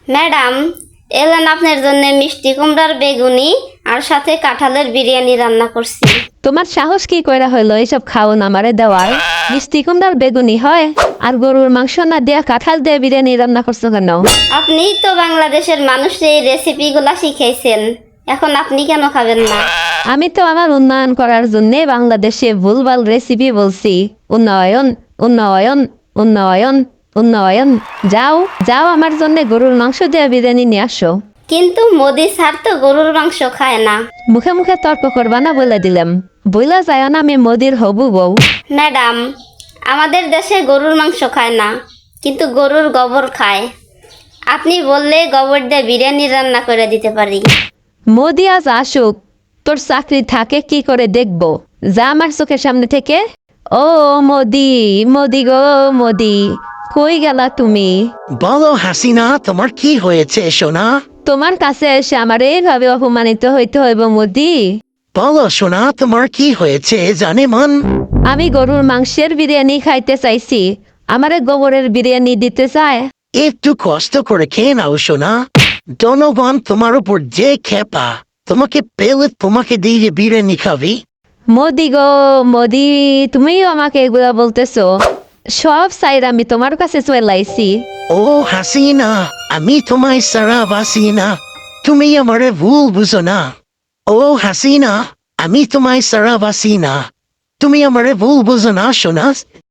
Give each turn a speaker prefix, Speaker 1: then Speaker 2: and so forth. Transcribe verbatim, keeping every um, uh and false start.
Speaker 1: Madam, এলেন আপনার জন্য মিষ্টি কুমড়ার বেগুনি আর সাথে কাঁঠালের বিরিয়ানি রান্না করছি।
Speaker 2: তোমার সাহস কি কইরা হইলো এইসব খাওন আমারে দেওয়ার? মিষ্টি কুমড়ার বেগুনি হয় আর গরুর মাংস না দিয়া কাঁঠাল দিয়ে বিরিয়ানি রান্না করছো কেন?
Speaker 1: আপনিই তো বাংলাদেশের মানুষকে এই রেসিপিগুলা শিখাইছেন, এখন আপনি কেন খাবেন না?
Speaker 2: আমি তো আমার উন্নয়ন করার জন্য বাংলাদেশে ভুলভাল রেসিপি বলছি। উন্নয়ন উন্নয়ন উন্নয়ন উন্নয়ন। যাও যাও, আমার জন্য গরুর মাংস দিয়ে বিরিয়ানি নিয়ে আসো।
Speaker 1: কিন্তু মোদি স্যার তো গরুর মাংস খায় না।
Speaker 2: মুখে মুখে তর্ক করবা না বলে দিলাম। বইলা যায় না আমি মোদির হবু বউ।
Speaker 1: ম্যাডাম, আমাদের দেশে গরুর মাংস খায় না, কিন্তু গরুর গোবর খায়। আপনি বললে গোবর দিয়ে বিরিয়ানি রান্না করে দিতে পারি।
Speaker 2: মোদি আজ আসুক, তোর চাকরি থাকে কি করে দেখবো। যা আমার চোখের সামনে থেকে। ও মোদি, মোদি গো মোদি, কই গেলা তুমি?
Speaker 3: বলো হাসিনা, তোমার কি হয়েছে সোনা?
Speaker 2: তোমার কাছে এসে আমার এইভাবে অপমানিত হইতে হইব মোদি?
Speaker 3: বলো সোনা, তোমার কি হয়েছে জানে মন?
Speaker 2: আমি গরুর মাংসের বিরিয়ানি খাইতে চাইছি, আমারে গোবরের বিরিয়ানি দিতে চায়।
Speaker 3: একটু কষ্ট করে খেয়ে নাও সোনা। জনগণ তোমার উপর যে খেপা, তোমাকে পেলে তোমাকে দিয়ে বিরিয়ানি খাবি।
Speaker 2: মোদি গো মোদি, তুমিও আমাকে এগুলা বলতেছো? সব সাইড আমি তোমার কাছে চলে আইছি।
Speaker 3: ও হাসিনা, আমি তোমায় সারা বাসি না, তুমি আমারে ভুল বুঝো না। ও হাসিনা, আমি তোমায় সারা বাসি না, তুমি আমারে ভুল বুঝো না সোনা।